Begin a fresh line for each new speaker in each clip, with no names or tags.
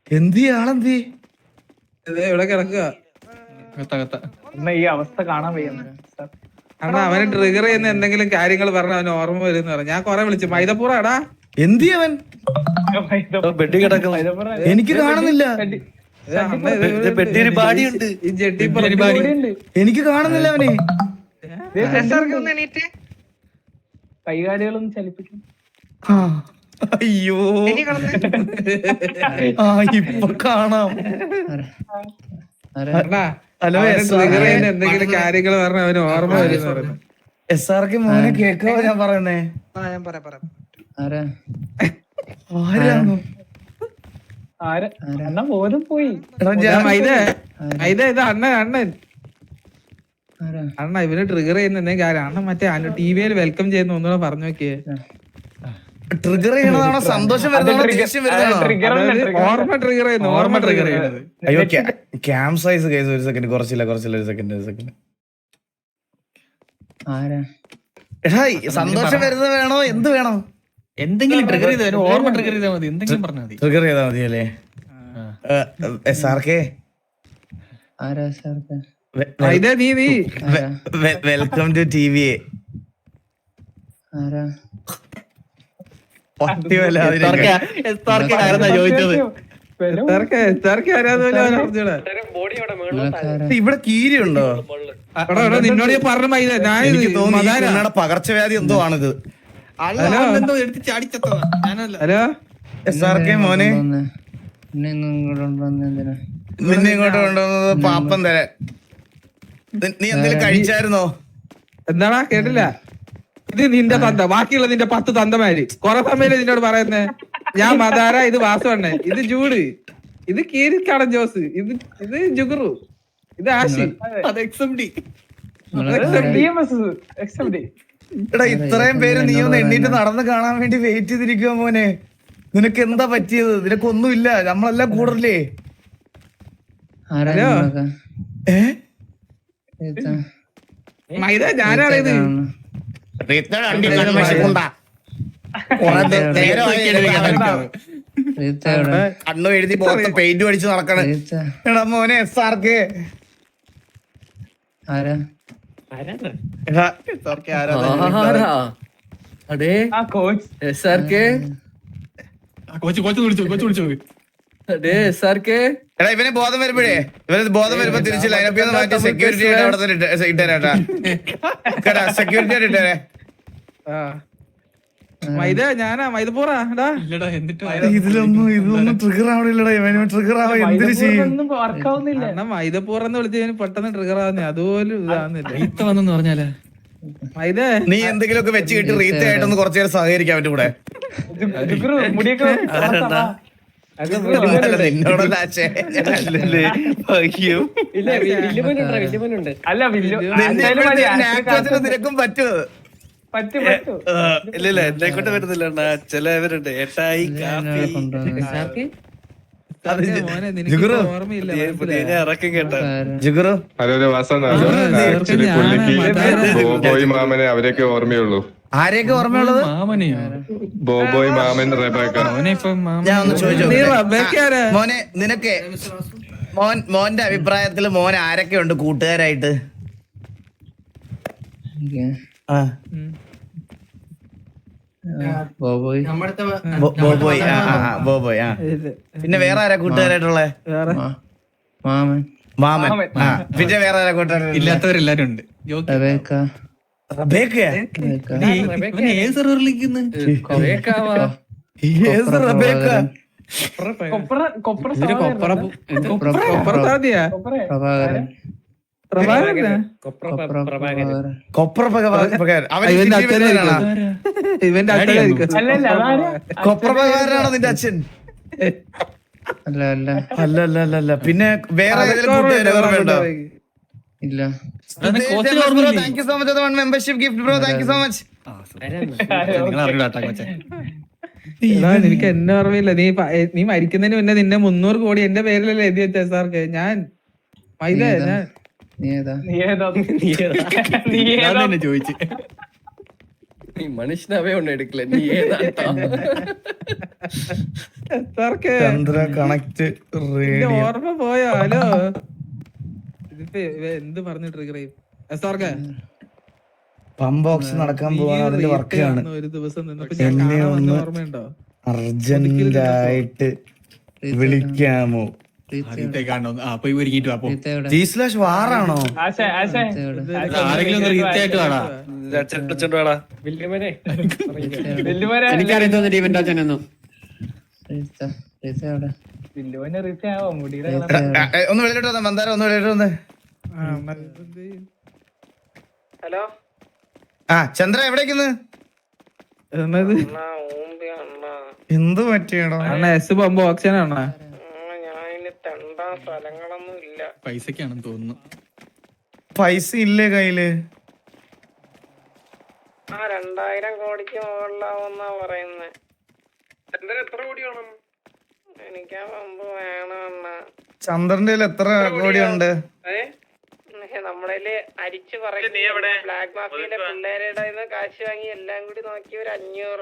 എന്തി ആളെന്തി
ഇവിടെ കിടക്കുക.
ഈ അവസ്ഥ കാണാൻ വയ്യുന്നു.
അണ്ണാ അവനെ ട്രിഗർ ചെയ്യുന്ന എന്തെങ്കിലും കാര്യങ്ങൾ പറഞ്ഞ അവന് ഓർമ്മ വരും പറഞ്ഞു. ഞാൻ കൊറേ വിളിച്ചു. മൈദപ്പൂറ എടാ
എന്തി അവൻ
ബെഡി കിടക്കും.
എനിക്ക് കാണുന്നില്ല.
ബെഡിയൊരു ബാഡിയുണ്ട്.
ഈ ജെട്ടി
എനിക്ക് കാണുന്നില്ല അവനെ.
കൈകാലുകളൊന്നും ചലിപ്പിക്കും.
അയ്യോ ഇപ്പൊ കാണാം. ഹലോ
ട്രിഗർ ചെയ്യുന്ന എന്തെങ്കിലും കാര്യങ്ങൾ പറഞ്ഞ അവന് ഓർമ്മ വരും പറഞ്ഞു.
SRK മോനെ കേക്കോ ഞാൻ പറയുന്നേ?
എന്നാ പോലും പോയി.
ഇത് അണ്ണൻ അണ്ണ ഇവന് ട്രിഗർ ചെയ്യുന്ന എന്തെങ്കിലും കാര്യം. അണ്ണൻ മറ്റേ ടിവിയിൽ വെൽക്കം ചെയ്യുന്ന ഒന്നുകൂടെ പറഞ്ഞു നോക്കിയേ.
ട്രിഗർ ചെയ്യണതാണോ സന്തോഷം വരുന്നതാണോ ദേഷ്യം വരുന്നതാണോ?
ഓർമ്മ ട്രിഗർ ചെയ്യുന്നു. ഓർമ്മ ട്രിഗർ ചെയ്യുന്നത്.
അയ്യോ ക്യാം സൈസ് കേസ്. ഒരു സെക്കൻഡ് കുറച്ചില്ല ഒരു സെക്കൻഡ്. എടാ സന്തോഷം വരുന്നത് വേണോ എന്ത് വേണോ?
എന്തെങ്കിലും ട്രിഗർ ചെയ്താൽ ഓർമ്മ ട്രിഗർ ചെയ്താൽ മതി. എന്തെങ്കിലും പറഞ്ഞാൽ മതി.
ട്രിഗർ ചെയ്താൽ മതി അല്ലേ? SRK welcome to TV. ഇവിടെ കീരിയുണ്ടോ?
നിന്നോട് പറഞ്ഞ
എനിക്ക് തോന്നുന്നു പകർച്ചവ്യാധി എന്തോ ആണിത്.
ഹലോ
SRK മോനെ നിന്നെ ഇങ്ങോട്ട് കൊണ്ടുവന്നത് പാപ്പം തരാൻ. നീ എന്തെങ്കിലും കഴിച്ചായിരുന്നോ?
എന്താടാ കേട്ടില്ല? ഇത് നിന്റെ തന്ത. ബാക്കിയുള്ള നിന്റെ 10 തന്തമാര് കൊറേ സമയം നിന്നോട് പറയുന്നേ. ഞാൻ മദാര, ഇത് വാസുവണ്ണൻ, ഇത് ജൂഡ്, ഇത് കീരിക്കാടൻ ജോസ്, ഇത് ജുഗുറു, ഇത് ആശി, അത് XMD.
എടാ ഇത്രയും പേര് നീ ഒന്ന് എണ്ണീട്ട് നടന്ന് കാണാൻ വേണ്ടി വെയിറ്റ് ചെയ്തിരിക്കുവോ മോനെ? നിനക്ക് എന്താ പറ്റിയത്? നിനക്കൊന്നുമില്ല, നമ്മളെല്ലാം കൂടല്ലേ?
ഹലോ മൈദ, ഞാനാണിത്.
കണ്ണു എഴുതി പുറത്ത് പെയിന്റ് അടിച്ച് നടക്കണ. എടാ മോനെ SRK എടാ ഇവനെ ബോധം വരുമ്പോഴേ തിരിച്ച് ലൈനപ്പിൽ നിന്ന് മാറ്റി സെക്യൂരിറ്റി ആയിട്ട് അവിടെ ഇട്ടേരാട്ടാ. സെക്യൂരിറ്റി ആയിട്ട് ഇട്ടേരെ.
മൈദ ഞാനാ മൈദപ്പൂറാ.
ഇതൊന്നും ട്രിഗർ ആവണില്ലടാ. ഇവന് ട്രിഗർ ആവാ എന്തിനു ചെയ്യും?
മൈദപ്പൂറെന്ന് വിളിച്ച് പെട്ടെന്ന് ട്രിഗർ ആവുന്നേ. അതുപോലും ഇതാവുന്നില്ല
പറഞ്ഞാലേ.
മൈദ
നീ എന്തെങ്കിലുമൊക്കെ വെച്ച് കിട്ടി റീത്ത് ആയിട്ടൊന്ന് കുറച്ചു നേരം സഹകരിക്കാൻ പറ്റും കൂടെ. നിനക്കും പറ്റുമോ?
ഇല്ല എന്നെ കൊണ്ട് വരുന്നില്ല. ചിലവരുണ്ട് ഏട്ടായി ഇറക്കം കേട്ടോ.
ബോബോയ് മാമനെ അവരെയൊക്കെ ഓർമ്മയുള്ളൂ.
ആരെയൊക്കെ ഓർമ്മയുള്ളത്?
ബോബോയ് മാമൻ, റെബേക്ക.
ഞാൻ ഒന്ന് ചോദിച്ചോ മോനെ, നിനക്ക് മോന്റെ അഭിപ്രായത്തിൽ മോൻ ആരൊക്കെ ഉണ്ട് കൂട്ടുകാരായിട്ട്? ബോബോയ്. പിന്നെ വേറെ ആരാ കൂട്ടുകാരായിട്ടുള്ള? മാമൻ. പിന്നെ വേറെ ആരാ കൂട്ടുകാർ?
ഇല്ലാത്തവരെല്ലാരും ഉണ്ട്.
കൊപ്രപ്രകാരനാണോ നിന്റെ അച്ഛൻ? അല്ല. പിന്നെ വേറെ ഓർമ്മയുണ്ടോ? ഇല്ല. Thank you so much. Membership gift bro. Thank you so much.
എനിക്ക് എന്നെ ഓർമ്മയില്ല. നീ മരിക്കുന്നതിന് മുന്നേ നിന്നെ 300 കോടി എന്റെ പേരിലല്ലേ എഴുതി വെച്ച SRK. ഞാൻ ചോദിച്ചു
നീ മനുഷ്യനാവേ ഒന്നും എടുക്കില്ല നീ ഏതാണ്ടാ
സാർക്ക്
ചന്ദ്ര കണക്ട്
ഇതിന്റെ
റേഡിയോ
ഓർമ്മ പോയോ? ഹലോ, ഇതിപ്പോ എന്ത് പറഞ്ഞു ട്രിഗർ ചെയ്യും? സാർക്ക്
പമ്പ് ബോക്സ് നടക്കാൻ പോവാണ്, അതിന്റെ വർക്കാണ്.
ഒരു ദിവസം നിന്നപ്പോ ഞാൻ
എന്നെ
കാണാൻ വന്ന
ഒന്ന്
ഓർമ്മയുണ്ടോ?
അർജന്റായിട്ട് വിളിക്കാമോ?
പോയി ഒരുക്കിട്ട് വാ
G/ വാറാണോ?
ആശേ ആശേ
ആരെങ്കിലും ഒന്ന് റീത്തായിട്ട് വേടാ
വല്യവരെ വല്യവരെ
എനിക്കറിയാൻ തോന്നിട്ട് ഇവന്റെ അച്ഛനൊന്നും
വല്യവനെ റീച്ച് ആവാം മുടിയുടെ
ഒന്ന് വെളിയിലോട്ട് വന്നേ മന്ദാരം, ഒന്ന് വെളിയിലോട്ട് വന്നേ.
ഹലോ
ചന്ദ്ര എവിടേക്കുന്ന്?
എന്നത്
എന്ത് പറ്റിയടോ?
അണ്ണ എസ് പമ്പ് ഓപ്ഷൻ ആണോ?
ഞാനിനി തെണ്ടാൻ സ്ഥലങ്ങളൊന്നും ഇല്ല.
പൈസക്കാണെന്ന് തോന്നുന്നു.
പൈസ ഇല്ലേ കയ്യില്?
2000 കോടിക്ക് മുകളിലാവുന്നാ പറയുന്നേ. എത്ര കോടി വേണം? എനിക്കാ പമ്പ് വേണം അണ്ണാ.
ചന്ദ്രന്റെ കയ്യിൽ എത്ര കോടിയുണ്ട്?
നമ്മുടെ അരിച്ചു പറയും. ബ്ലാക്ക് മാഫിയയിലെ പിള്ളേരുടെ കയ്യിന്ന് കാശ് വാങ്ങി എല്ലാം കൂടി നോക്കി ഒരു 500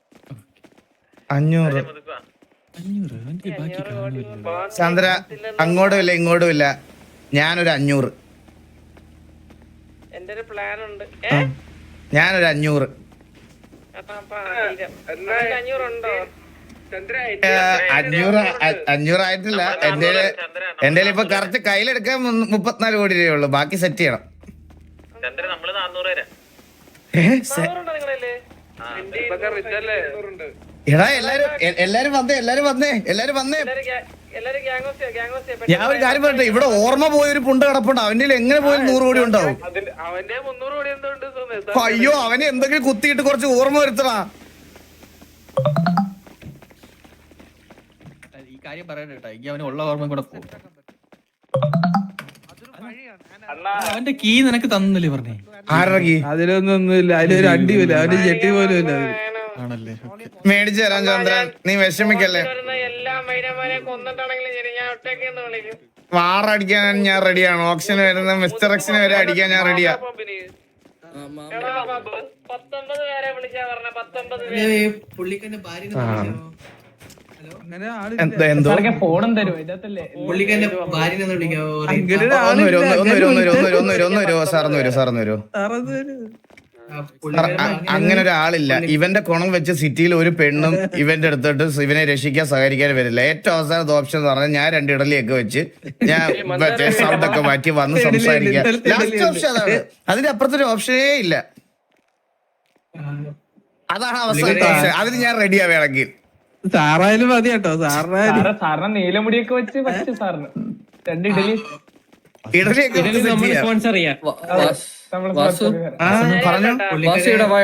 കോടി.
ചന്ദ്ര അങ്ങോട്ടും ഇല്ല ഇങ്ങോട്ടും ഇല്ല, ഞാനൊരു 500.
എന്റെ ഒരു പ്ലാൻ ഉണ്ട്.
ഞാനൊരു 500.
അപ്പൊ 500 ഉണ്ടോ?
500 ആയിട്ടില്ല. എന്റെ ഇപ്പൊ കറക്റ്റ് കയ്യിലെടുക്കാൻ 34 കോടി രൂപയുള്ളൂ, ബാക്കി സെറ്റ് ചെയ്യണം. എടാ എല്ലാരും വന്നേ.
എല്ലാരും ഗ്യാങ്ങോസിയാ.
ഞാൻ ഒരു കാര്യം പറയട്ടെ, ഇവിടെ ഓർമ്മ പോയൊരു പുണ്ട് കിടപ്പുണ്ട്, അവന്റെ കയ്യിൽ എങ്ങനെ പോയാലും 100 കോടി ഉണ്ടാവും.
അവന്റെ 300 കോടി എന്തുകൊണ്ട്?
അയ്യോ, അവനെ എന്തെങ്കിലും കുത്തിയിട്ട് കുറച്ച് ഓർമ്മ വരുത്തടാ.
ഈ കാര്യം പറയട്ടെ കേട്ടോ, എനിക്ക് അവന് ഉള്ള ഓർമ്മ കൂടെ പോകും. അവന്റെ കീ നിനക്ക് തന്നില്ലേ പറഞ്ഞേ?
ആരകി
അതിലൊന്നൊന്നുമില്ല, അതിലൊരു അടിയുമില്ല, അവന്റെ ജെട്ടി പോലും ഇല്ല.
ആണല്ലേ?
മേടിച്ചു തരാം ചന്ദ്രൻ, നീ വിഷമിക്കല്ലേ.
എല്ലാ മൈനമാരെ കൊന്നിട്ടാണെങ്കിലും ശരി, ഞാൻ ഒറ്റയ്ക്ക് വിളിക്കും.
വാറടിക്കാൻ ഞാൻ റെഡിയാണ്. ഓപ്ഷന് വരുന്ന മിസ്റ്റർ എക്സിന് വരെ അടിക്കാൻ ഞാൻ റെഡിയാ.
19 പേരെ വിളിച്ചാ പറഞ്ഞ 19
അങ്ങനെ ആള്
എന്തോ
ഫോണും തരും ഇതിനകത്തല്ലേ.
ഒന്ന് വരൂ സാറൊന്ന് വരൂ. അങ്ങനെ ഒരാളില്ല. ഇവന്റെ കുണം വെച്ച് സിറ്റിയിൽ ഒരു പെണ്ണും ഇവന്റെ അടുത്തോട്ട് ഇവനെ രക്ഷിക്കാൻ സഹകരിക്കാൻ വരില്ല. ഏറ്റവും അവസാനത്തെ ഓപ്ഷൻ എന്ന് പറഞ്ഞാൽ ഞാൻ 2 ഇഡലിയൊക്കെ വെച്ച് ഞാൻ മറ്റേ സൗണ്ട് ഒക്കെ മാറ്റി വന്ന് സംസാരിക്കാം. ലാസ്റ്റ് ഓപ്ഷൻ അതാണ്, അതിന്റെ അപ്പുറത്തൊരു ഓപ്ഷനേ ഇല്ല. അതാണ് അവസാനത്തെ ഓപ്ഷൻ. അതിന് ഞാൻ റെഡിയാ വേണമെങ്കിൽ.
സാറായാലും മതി കേട്ടോ.
സാറിന് നീലമുടിയൊക്കെ വെച്ച് പറ്റും സാറിന് 2 ഇഡലി
ഇഡലിയൊക്കെ വെച്ച് set ചെയ്യാം.
സ്പോൺസർ ചെയ്യാം
നമ്മള്
പറഞ്ഞു
വാസുയുടെ